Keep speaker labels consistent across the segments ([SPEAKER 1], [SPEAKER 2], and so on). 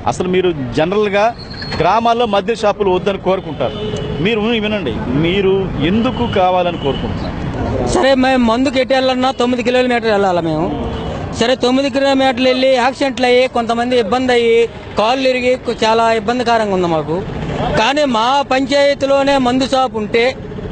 [SPEAKER 1] అసలు మీరు జనరల్గా గ్రామాల్లో మద్య షాపులు వద్దని కోరుకుంటారు. మీరు వినండి, మీరు ఎందుకు కావాలని కోరుకుంటున్నారు?
[SPEAKER 2] సరే, మేము మందుకు ఎటు వెళ్ళాలన్నా 9 కిలోమీటర్లు వెళ్ళాలి మేము. సరే, 9 కిలోమీటర్లు వెళ్ళి యాక్సిడెంట్లు అయ్యి కొంతమంది ఇబ్బంది అయ్యి కాళ్ళు ఇరిగి చాలా ఇబ్బందికరంగా ఉంది మాకు. కానీ మా పంచాయతీలోనే మందు షాపు ఉంటే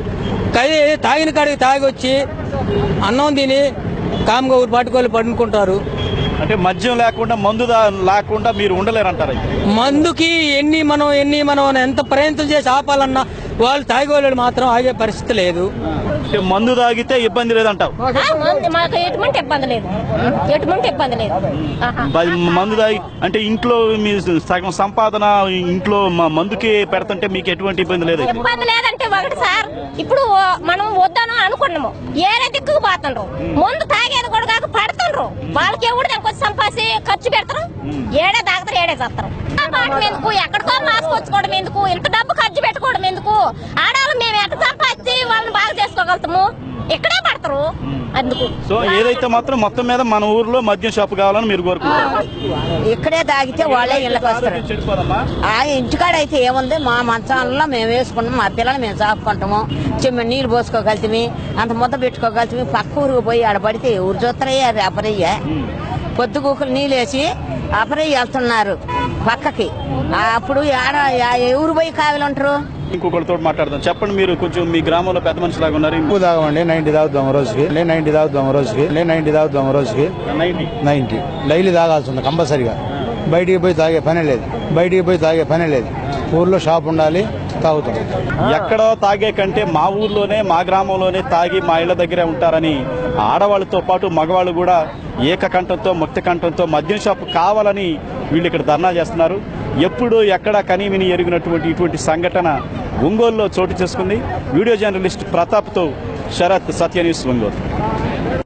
[SPEAKER 2] తాగిన కాడికి తాగి వచ్చి అన్నం తిని కామ్గా ఊరు పట్టుకోవాలి పడుకుంటారు.
[SPEAKER 1] అంటే మద్యం లేకుండా మందు లేకుండా మీరు ఉండలేరంటారు.
[SPEAKER 2] మందుకి ఎన్ని మనం ఎంత ప్రయత్నం చేసి ఆపాలన్నా వాళ్ళు తాగేవాళ్ళు మాత్రం ఆగే పరిస్థితి లేదు.
[SPEAKER 1] మందు తాగితే ఇబ్బంది లేదంటావు?
[SPEAKER 3] మాకు ఎటువంటి ఇబ్బంది లేదు, ఎటువంటి ఇబ్బంది లేదు.
[SPEAKER 1] మందు తాగి అంటే ఇంట్లో మీ సగం సంపాదన ఇంట్లో మందుకి పెడుతుంటే మీకు ఎటువంటి ఇబ్బంది లేదు?
[SPEAKER 3] ఇబ్బంది లేదంటే ఒకటి సార్, ఇప్పుడు మనం వద్దాను అనుకున్నాము, ఏరే దిక్కుకు పోతుండ్రు, ముందు తాగేది కూడా కాక పడుతుండ్రు. వాళ్ళకి ఎవడు దానికి సంపాసి ఖర్చు పెడతారు, ఏడే తాగుతారు, ఏడే చేస్తారు. ఎందుకు ఎక్కడికో మాసుకొచ్చుకోవడం ఎందుకు, ఇంత డబ్బు ఖర్చు పెట్టుకోవడం ఎందుకు? ఆడవాళ్ళు మేము ఎక్కడ సంపాదించి వాళ్ళని బాగా చేసుకోగలుగుతాము, ఇక్కడే పడతారు అందుకు.
[SPEAKER 1] సో ఏదైతే మాత్రం మొత్తం మీద మన ఊర్లో మద్యం షాపు కావాలని మీరు కోరుకుంటారు.
[SPEAKER 4] ఇక్కడే తాగితే వాళ్ళే ఇళ్ళకి వస్తారు. ఆ ఇంటికాడ అయితే ఏముంది, మా మంచాలలో మేము వేసుకుంటాం, మా పిల్లలు మేము సాపుకుంటాము, చిన్న నీళ్ళు పోసుకోగలుగుతామి, అంత ముద్ద పెట్టుకోగలుగుతామి. పక్క ఊరికి పోయి ఆడ పడితే ఊరు చూస్తారయ్యా, అది అపరయ్య పొద్దుగూకులు నీళ్ళు వేసి అపరయ్య వెళ్తున్నారు పక్కకి. అప్పుడు ఎవరు పోయి కావిలు ఉంటారు?
[SPEAKER 1] ఇంకొకరితో మాట్లాడదాం. చెప్పండి, మీరు కొంచెం మీ గ్రామంలో పెద్ద మనిషి లాగా ఉన్నారు.
[SPEAKER 5] ఎక్కువ తాగమండి, 90 తాగుతాం రోజుకి, 90 తాగుతాం రోజుకి, 90 తాగుతాం రోజుకి, 90 డైలీ తాగాల్సి ఉంది కంపల్సరిగా. బయటికి పోయి తాగే పనే లేదు, బయటికి పోయి తాగే పనే లేదు. ఊర్లో షాప్ ఉండాలి, తాగుతాం.
[SPEAKER 1] ఎక్కడో తాగే కంటే మా ఊర్లోనే మా గ్రామంలోనే తాగి మా ఇళ్ల దగ్గరే ఉంటారని ఆడవాళ్ళతో పాటు మగవాళ్ళు కూడా ఏకకంఠంతో ముక్తి కంఠంతో మద్యం షాపు కావాలని వీళ్ళు ఇక్కడ ధర్నా చేస్తున్నారు. ఎప్పుడు ఎక్కడ కనీవిని ఎరిగినటువంటి ఇటువంటి సంఘటన ఒంగోలులో చోటు చేసుకుంది. వీడియో జర్నలిస్ట్ ప్రతాప్తో శరత్, సత్య న్యూస్, ఒంగోలు.